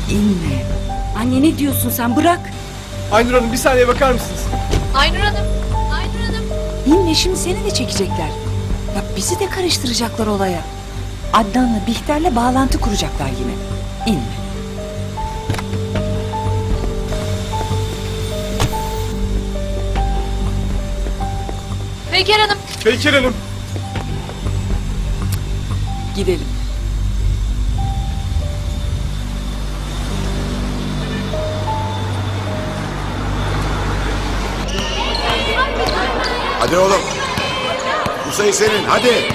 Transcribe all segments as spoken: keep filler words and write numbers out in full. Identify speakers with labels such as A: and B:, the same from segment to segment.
A: inme. Anne ne diyorsun sen, bırak.
B: Aynur Hanım bir saniye bakar mısınız?
C: Aynur Hanım, Aynur Hanım.
A: İnme, şimdi seni de çekecekler. Bak bizi de karıştıracaklar olaya. Adnan'la Bihter'le bağlantı kuracaklar yine. İnme.
C: Peyker Hanım.
B: Peyker Hanım.
A: Gidelim.
D: Hadi oğlum. Bu sayı senin, hadi.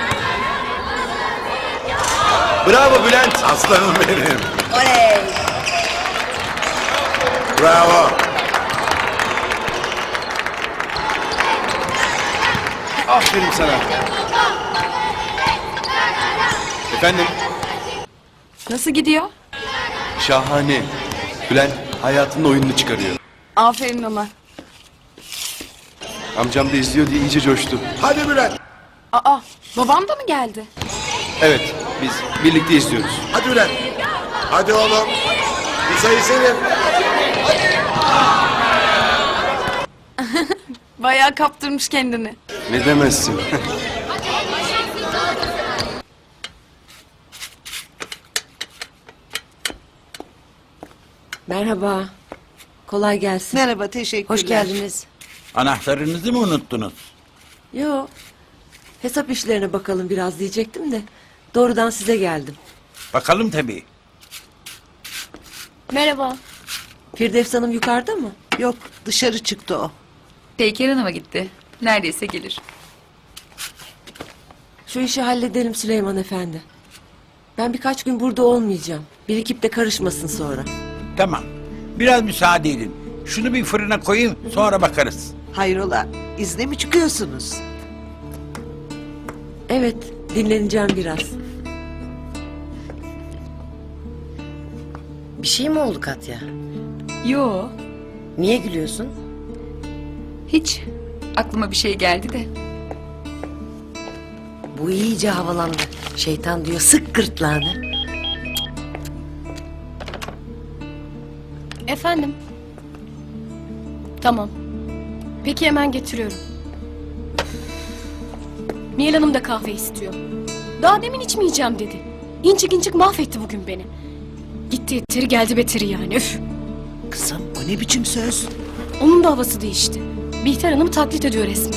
B: Bravo Bülent.
D: Aslanım benim.
A: Oley!
D: Bravo.
B: Aferin sana. Efendim?
E: Nasıl gidiyor?
B: Şahane. Bülent hayatının oyununu çıkarıyor.
E: Aferin ona.
B: Amcam da izliyor diye iyice coştu.
D: Hadi Bülent.
E: Aa, babam da mı geldi?
B: Evet, biz birlikte izliyoruz.
D: Hadi Bülent. Hadi oğlum. Bu sayı senin.
E: Bayağı kaptırmış kendini.
B: Ne demezsin?
F: Merhaba. Kolay gelsin.
G: Merhaba, teşekkürler.
F: Hoş geldiniz.
H: Anahtarınızı mı unuttunuz?
F: Yo. Hesap işlerine bakalım biraz diyecektim de. Doğrudan size geldim.
H: Bakalım tabii.
C: Merhaba.
F: Firdevs Hanım yukarıda mı?
G: Yok, dışarı çıktı o.
I: Peyker Hanım'a gitti. Neredeyse gelir.
F: Şu işi halledelim Süleyman Efendi. Ben birkaç gün burada olmayacağım. Birikip de karışmasın sonra.
H: Tamam. Biraz müsaade edin. Şunu bir fırına koyayım, sonra bakarız.
G: Hayrola, izne mi çıkıyorsunuz?
F: Evet, dinleneceğim biraz.
J: Bir şey mi oldu Katya?
I: Yo,
J: Niye gülüyorsun?
I: hiç. Aklıma bir şey geldi de.
J: Bu iyice havalandı. Şeytan diyor sık gırtlağını.
C: Efendim. Tamam. Peki hemen getiriyorum. Nihal Hanım da kahve istiyor. Daha demin içmeyeceğim dedi. İncik incik mahvetti bugün beni. Gitti yeteri geldi beteri yani. Üf.
G: Kızım, o ne biçim söz?
C: Onun da havası değişti. Bihter Hanım'ı taklit ediyor resmen.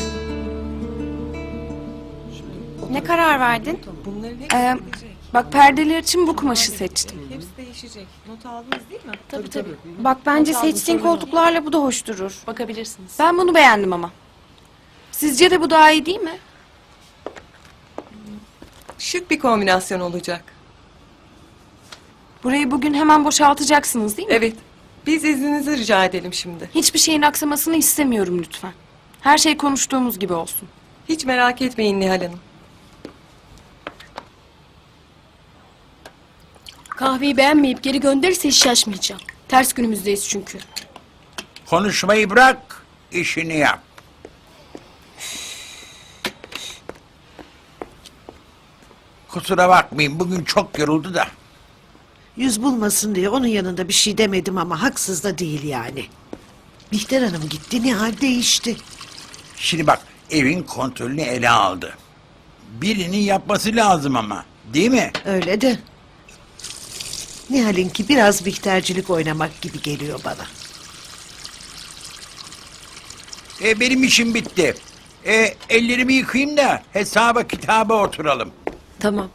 E: Ne karar verdin? Ee, bak perdeler için bu kumaşı seçtim.
C: Tabii tabii.
E: Bak bence seçtiğin koltuklarla bu da hoş durur.
C: Bakabilirsiniz.
E: Ben bunu beğendim ama. Sizce de bu daha iyi değil mi?
K: Şık bir kombinasyon olacak.
E: Burayı bugün hemen boşaltacaksınız değil mi?
K: Evet. Biz izninizi rica edelim şimdi.
E: Hiçbir şeyin aksamasını istemiyorum lütfen. Her şey konuştuğumuz gibi olsun.
K: Hiç merak etmeyin Nihal Hanım.
C: Kahveyi beğenmeyip geri gönderirse hiç şaşmayacağım. Ters günümüzdeyiz çünkü.
H: Konuşmayı bırak, işini yap. Kusura bakmayın, bugün çok yoruldu da.
G: Yüz bulmasın diye onun yanında bir şey demedim ama haksız da değil yani. Bihter Hanım gitti, Nihal değişti.
H: Şimdi bak, evin kontrolünü ele aldı. Birinin yapması lazım ama, değil mi?
G: Öyle de. Nihal'inki biraz Bihtercilik oynamak gibi geliyor bana.
H: E, benim işim bitti. E, ellerimi yıkayayım da hesaba kitaba oturalım.
F: Tamam.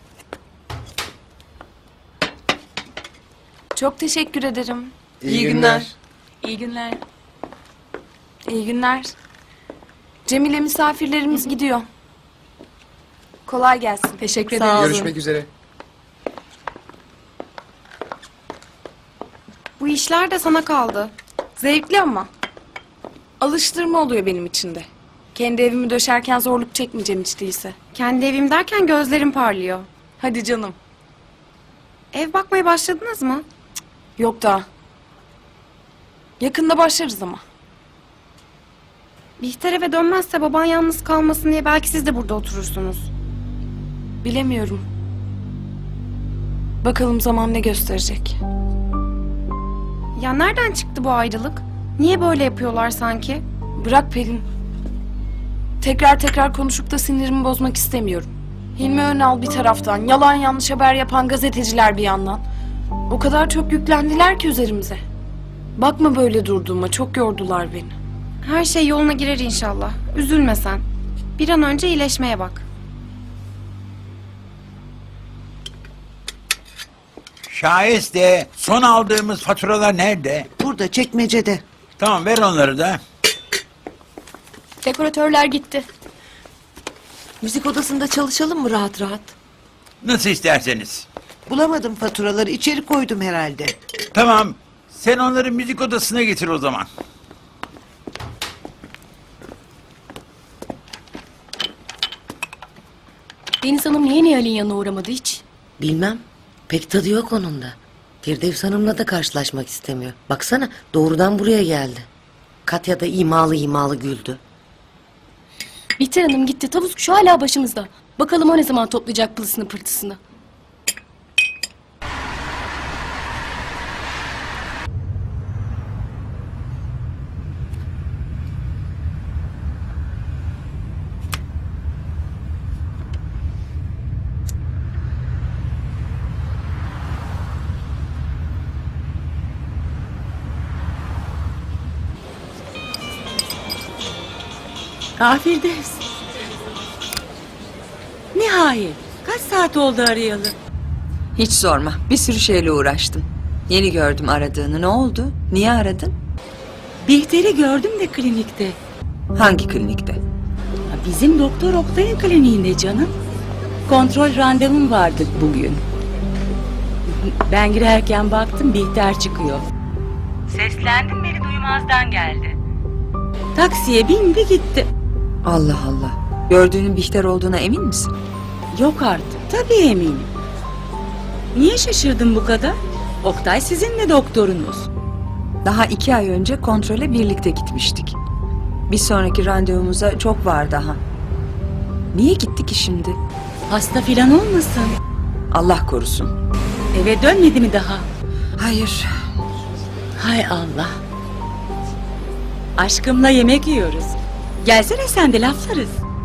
E: Çok teşekkür ederim.
K: İyi, günler.
E: İyi günler. İyi günler. Cemile misafirlerimiz gidiyor. Kolay gelsin.
C: Teşekkür
K: Sağ
C: ederim.
K: olun.
B: Görüşmek üzere.
E: Bu işler de sana kaldı. Zevkli ama. Alıştırma oluyor benim için de. Kendi evimi döşerken zorluk çekmeyeceğim hiç değilse.
L: Kendi evim derken gözlerim parlıyor.
E: Hadi canım.
L: Ev bakmaya başladınız mı?
E: Yok daha. Yakında başlarız ama.
L: Bihter eve dönmezse baban yalnız kalmasın diye belki siz de burada oturursunuz.
E: Bilemiyorum. Bakalım zaman ne gösterecek.
L: Ya nereden çıktı bu ayrılık? Niye böyle yapıyorlar sanki?
E: Bırak Pelin. Tekrar tekrar konuşup da sinirimi bozmak istemiyorum. Hilmi Önal bir taraftan, yalan yanlış haber yapan gazeteciler bir yandan. O kadar çok yüklendiler ki üzerimize. Bakma böyle durduğuma, çok yordular beni.
L: Her şey yoluna girer inşallah. Üzülme sen. Bir an önce iyileşmeye bak.
H: Şahiste son aldığımız faturalar nerede?
G: Burada çekmecede.
H: Tamam, ver onları da.
C: Dekoratörler gitti.
F: Müzik odasında çalışalım mı rahat rahat?
H: Nasıl isterseniz.
G: Bulamadım faturaları, içeri koydum herhalde.
H: Tamam, sen onları müzik odasına getir o zaman.
C: Deniz Hanım niye Nihal'in yanına uğramadı hiç?
J: Bilmem. Pek tadı yok onun da. Firdevs Hanım'la da karşılaşmak istemiyor. Baksana doğrudan buraya geldi. Katya da imalı imalı güldü.
C: Bihter Hanım gitti. Tavus kuşu hala başımızda. Bakalım o ne zaman toplayacak pılısını pırtısını.
A: Ah Firdevs. Nihayet. Kaç saat oldu arayalı?
I: Hiç sorma. Bir sürü şeyle uğraştım. Yeni gördüm aradığını. Ne oldu? Niye aradın?
A: Bihter'i gördüm de klinikte.
I: Hangi klinikte?
A: Bizim Doktor Oktay'ın kliniğinde canım. Kontrol randevum vardı bugün. Ben girerken baktım Bihter çıkıyor. Seslendim beni duymazdan geldi. Taksiye bindi gitti.
I: Allah Allah. Gördüğünün Bihter olduğuna emin misin?
A: Yok artık. Tabii eminim. Niye şaşırdın bu kadar? Oktay sizin de doktorunuz.
I: Daha iki ay önce kontrole birlikte gitmiştik. Bir sonraki randevumuza çok var daha. Niye gitti ki şimdi?
A: Hasta filan olmasın?
I: Allah korusun.
A: Eve dönmedi mi daha?
I: Hayır.
A: Hay Allah. Aşkımla yemek yiyoruz. Gelsene sen de laflarız.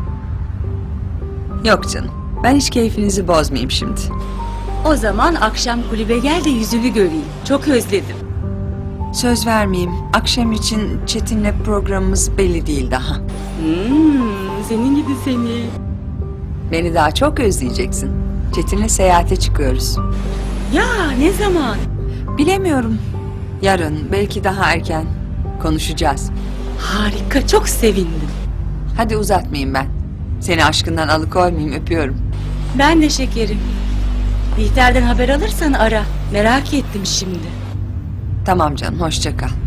I: Yok canım. Ben hiç keyfinizi bozmayayım şimdi.
A: O zaman akşam kulübe gel de yüzünü göreyim. Çok özledim.
I: Söz vermeyeyim. Akşam için Çetin'le programımız belli değil daha.
A: Hmm, senin gibi seni.
I: Beni daha çok özleyeceksin. Çetin'le seyahate çıkıyoruz.
A: Ya ne zaman?
I: Bilemiyorum. Yarın, belki daha erken konuşacağız.
A: Harika, çok sevindim.
I: Hadi uzatmayayım ben. Seni aşkından alıkoymayayım, öpüyorum.
A: Ben de şekerim. Bihter'den haber alırsan ara. Merak ettim şimdi.
I: Tamam canım, hoşça kal.